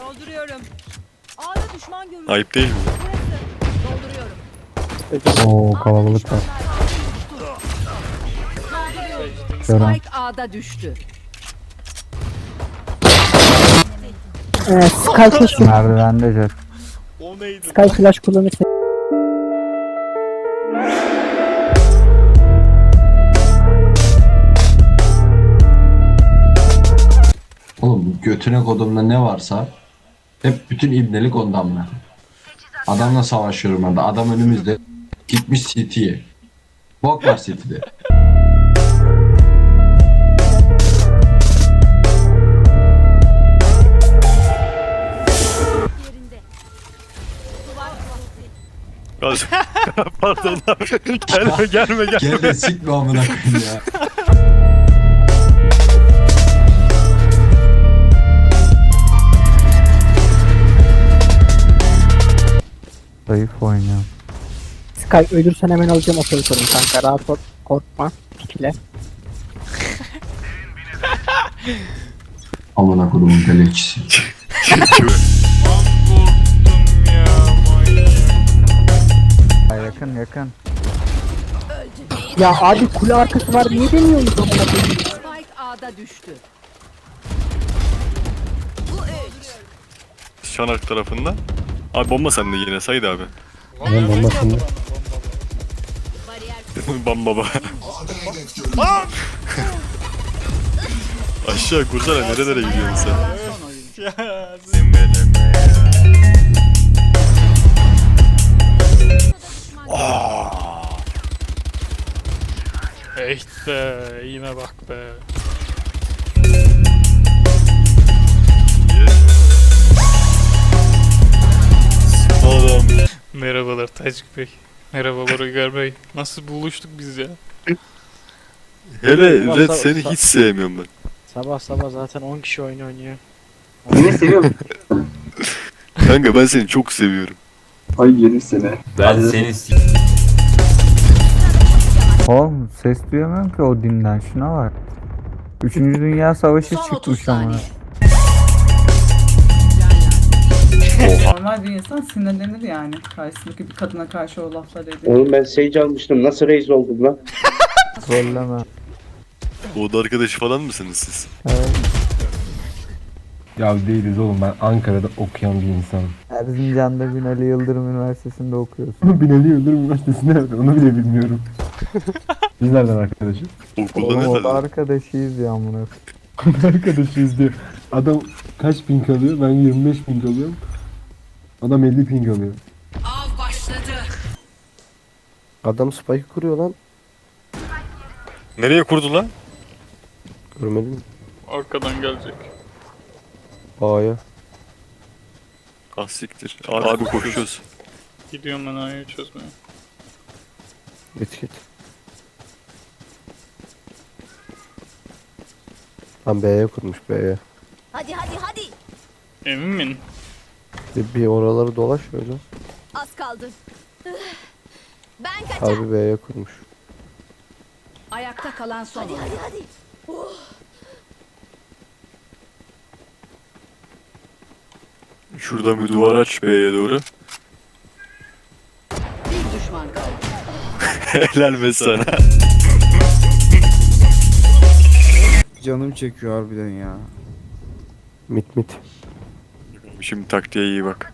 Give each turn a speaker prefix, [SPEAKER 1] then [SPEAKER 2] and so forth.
[SPEAKER 1] Dolduruyorum. A'da düşman görüldü.
[SPEAKER 2] Ayıp değil mi?
[SPEAKER 1] Burası. Dolduruyorum.
[SPEAKER 3] Oo kalabalık var. Gören.
[SPEAKER 1] Spike A'da düştü.
[SPEAKER 4] Sky keşke.
[SPEAKER 3] Merdivende jet.
[SPEAKER 2] O neydi?
[SPEAKER 4] Sky flash kullanırsa.
[SPEAKER 5] Oğlum götüne kodumda ne varsa hep bütün ibnelik ondan mı? Adamla savaşıyorum ben de. Adam önümüzde gitmiş City'ye. Bok var City'de.
[SPEAKER 2] Pardon lan. Gelme.
[SPEAKER 5] Gel de sikme amına koyayım ya.
[SPEAKER 3] Zayıf oynuyor.
[SPEAKER 4] Sky ölürsen hemen alacağım operatörüm kanka. Rahat ol. Korkma. Pikle.
[SPEAKER 5] Amına kodumun pelekçisi.
[SPEAKER 3] Yakın.
[SPEAKER 4] Ya abi kule arkası var. Niye demiyorsunuz amına koyayım?
[SPEAKER 1] Spike A'da düştü.
[SPEAKER 2] Şanak tarafında. Abi bomba sende yine Said abi.
[SPEAKER 3] Benim bombasını.
[SPEAKER 2] Bamba baba. Aşağı kursana nerelere gidiyorsun sen?
[SPEAKER 6] Echt be, yine bak be.
[SPEAKER 2] Oğlum.
[SPEAKER 6] Merhabalar Tacik Bey. Merhabalar Uygar Bey. Nasıl buluştuk biz ya?
[SPEAKER 2] Hele Red seni hiç sevmiyorum ben.
[SPEAKER 7] Sabah zaten 10 kişi oyun oynuyor.
[SPEAKER 8] Yine seviyorum.
[SPEAKER 2] Kanka ben seni çok seviyorum.
[SPEAKER 8] Ay yerim seni.
[SPEAKER 9] Ben seni
[SPEAKER 3] Oğlum ses duyamıyorum ki o dinden. Şuna bak. 3. Dünya Savaşı
[SPEAKER 1] Son 30
[SPEAKER 3] çıkmış ama.
[SPEAKER 1] saniye.
[SPEAKER 10] Normal bir insan sinirlenir yani. Karşısındaki bir kadına karşı o laflar ediyor.
[SPEAKER 8] Oğlum ben Sage almıştım. Nasıl reis oldum lan?
[SPEAKER 3] Trolleme.
[SPEAKER 2] O da arkadaşı falan mısınız siz?
[SPEAKER 3] Evet.
[SPEAKER 11] Ya değiliz oğlum, ben Ankara'da okuyan bir insanım.
[SPEAKER 3] Erzincan'da Binali Yıldırım Üniversitesi'nde okuyorsun.
[SPEAKER 11] Binali Yıldırım Üniversitesi nerede onu bile bilmiyorum. Biz nereden arkadaşız?
[SPEAKER 2] Okulda
[SPEAKER 3] Oğlum
[SPEAKER 2] ne
[SPEAKER 3] o da
[SPEAKER 2] falan?
[SPEAKER 3] arkadaşıyız ya amına.
[SPEAKER 11] Arkadaşıyız diyor. Adam kaç ping alıyor? Ben 25 ping alıyorum. Adam 50 ping alıyor.
[SPEAKER 1] Av başladı.
[SPEAKER 7] Adam spike kuruyor lan.
[SPEAKER 2] Nereye kurdu lan?
[SPEAKER 7] Görmedin mi?
[SPEAKER 6] Arkadan gelecek.
[SPEAKER 7] A'ya.
[SPEAKER 2] Ah siktir. Abi koşuyoruz.
[SPEAKER 6] Gidiyorum ben A'yı çözmeye.
[SPEAKER 7] Git. Lan B'ye kurmuş B'ye.
[SPEAKER 1] Hadi.
[SPEAKER 6] Emin min?
[SPEAKER 7] Bir oraları dolaş öyle.
[SPEAKER 1] Az kaldı. Ben kaç.
[SPEAKER 7] Harbi B'ye kurmuş.
[SPEAKER 1] Ayakta kalan son. Hadi.
[SPEAKER 2] Şuradan bir duvar aç B'ye doğru.
[SPEAKER 1] Bir düşman kaldı.
[SPEAKER 2] Helal be sana.
[SPEAKER 3] Canım çekiyor harbiden ya.
[SPEAKER 7] Mit.
[SPEAKER 2] Şimdi taktiğe iyi bak.